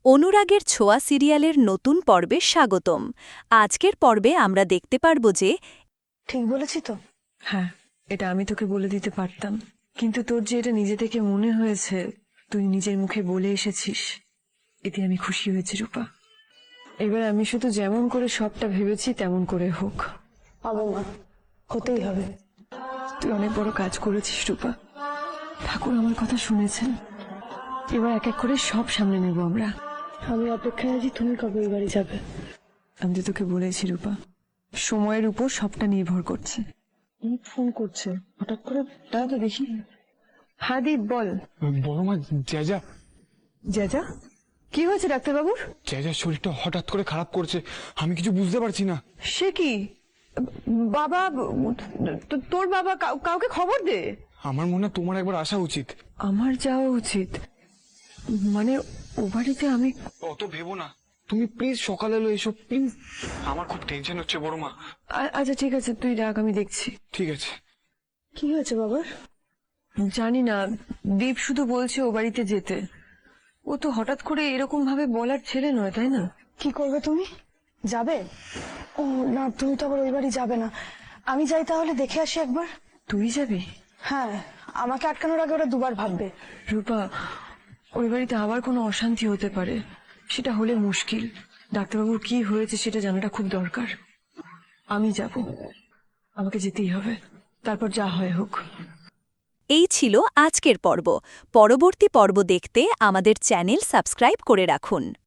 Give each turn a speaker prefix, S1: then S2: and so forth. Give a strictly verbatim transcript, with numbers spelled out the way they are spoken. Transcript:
S1: অনুরাগের ছোঁয়া সিরিয়ালের নতুন পর্বে স্বাগতম। আজকের পর্বে আমরা দেখতে পারব যে
S2: ঠিক বলেছি তো?
S3: হ্যাঁ, এটা আমি তোকে বলে দিতে পারতাম, কিন্তু তোর যে এটা নিজে থেকে মনে হয়েছে, তুই নিজের মুখে বলে এসেছিস, এতে আমি খুশি হয়েছি রূপা। এবার আমি শুধু যেমন করে সবটা ভেবেছি তেমন করে হোক।
S2: পাবো মা, হতেই হবে।
S3: তুই অনেক বড় কাজ করেছিস রূপা, ঠাকুর আমার কথা শুনেছেন। এবার এক এক করে সব সামনে নেব আমরা।
S2: আমি অপেক্ষায় আছি, তুমি কবে ওই বাড়ি যাবে?
S3: আমি তো তোকে বলেছি রূপা, সময়ের উপর সবটা নির্ভর করছে।
S2: ফোন করছে হঠাৎ করে,
S3: তাই তো দেখি। হ্যাঁ দীপ, বল।
S4: বড় মা, জেজা
S3: জেজা, কি হয়েছে ডাক্তারবাবুর?
S4: জেজার শরীরটা হঠাৎ করে খারাপ করছে, আমি কিছু বুঝতে পারছি না।
S3: সে কি বাবা, তো- তোর বাবা কাউ- কাউকে খবর দে।
S4: আমার মনে হয় তোমার একবার আসা উচিত।
S3: আমার যাওয়া উচিত মানে ও বাড়িতে? আমি
S4: অত ভেবো না, তুমি প্লিজ সকালে এলো এসো প্লিজ। আমার খুব টেনশন হচ্ছে বড় মা।
S3: আ- আচ্ছা ঠিক আছে, তুই রাখ, আমি দেখছি।
S4: ঠিক আছে।
S2: কি হয়েছে বাবার?
S3: জানি না, দীপ শুধু বলছে ও বাড়িতে যেতে। ও তো হঠাৎ করে এরকম ভাবে বলার ছেলে নয়, তাই না?
S2: কি করবে তুমি? যাবে? ও না, তুমি তো আবার ওই বাড়ি যাবে না। আমি যাই তাহলে, দেখে আসি একবার।
S3: তুই যাবি?
S2: হ্যাঁ, আমাকে আটকানোর আগে ওরা দুবার ভাববে।
S3: রূপা, ওই বাড়িতে আবার কোনো অশান্তি হতে পারে, সেটা হলে মুশকিল। ডাক্তারবাবুর কি হয়েছে সেটা জানাটা খুব দরকার। আমি যাব, আমাকে যেতেই হবে, তারপর যা হয় হোক।
S1: এই ছিল আজকের পর্ব। পরবর্তী পর্ব দেখতে আমাদের চ্যানেল সাবস্ক্রাইব করে রাখুন।